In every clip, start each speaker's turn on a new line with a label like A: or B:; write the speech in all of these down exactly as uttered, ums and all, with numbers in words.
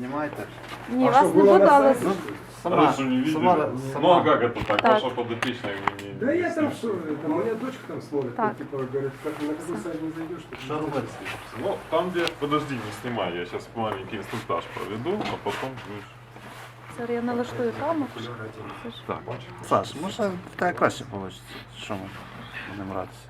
A: знімайте.
B: Ні,
C: А
B: вас
C: що,
B: не
C: було
B: буду,
C: на
B: але...
C: сайті?
A: Ну, сама,
D: Раньше не видели.
A: сама,
D: Ну а
A: сама.
D: как это так?
B: Так.
D: Ваша подопечная вы не...
C: Да я там что, там у меня дочка там смотрит,
B: Так.
C: типа говорит, как на какой сайт не зайдешь, ты
A: Що робити?
D: Ну, там где... Подожди, не снимай, я сейчас маленький инструктаж проведу, а потом будешь...
B: Зараз я налаштую камеру. Це ж-
D: Так,
A: Саш, може в тебе краще вийде. Що ми будемо гратися?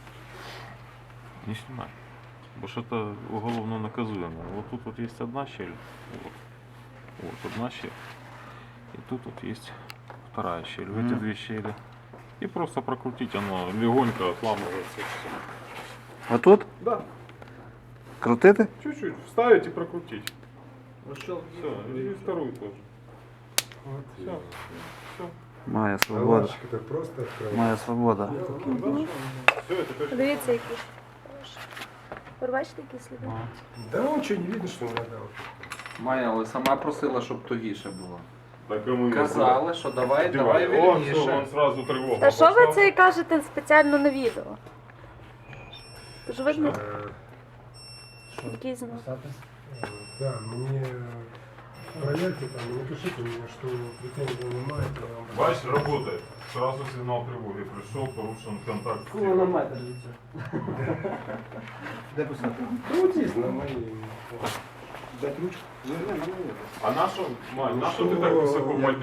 D: не снимай. Потому что это уголовно наказуемо. Вот тут вот есть одна щель. Вот, вот одна щель. И тут вот есть вторая щель. В эти
A: Мгм.
D: две щели. И просто прокрутить, оно легонько отламывается. и всё.
A: Отут?
D: Да,
A: Крутити?
D: чуть-чуть. Вставить и прокрутить.
C: Все,
D: Все, и вторую тоже.
C: вот.
D: Все. Все.
A: Моя свобода.
C: Наладчик-то просто открыл.
A: Моя свобода.
D: Все, это как...
B: Подивіться, які. Ви бачите, які сліди?
C: Да он что, не видно, что надо.
E: Майя, але сама просила, щоб тугіше було.
D: Так ему
E: Казали, що давай, давай
D: О, все,
E: вільніше.
D: он сразу тревогу.
B: Та що ви
D: пошла.
B: це і кажете спеціально на відео? Тож видно,
C: Э,
B: який знак.
C: Да, мне проверьте там, напишите мне, что претензий немає, то я вам...
D: Бачиш, работает. Сразу сигнал тревоги пришел, порушен контакт с
F: Кого на
D: телом.
F: метр від цього?
A: Де писати?
C: Крутись на моей...
A: Дать ручку?
D: А нашу, Мань, нашу
C: Ну,
D: ты так
C: что,
D: высоко
C: я-
D: поднял?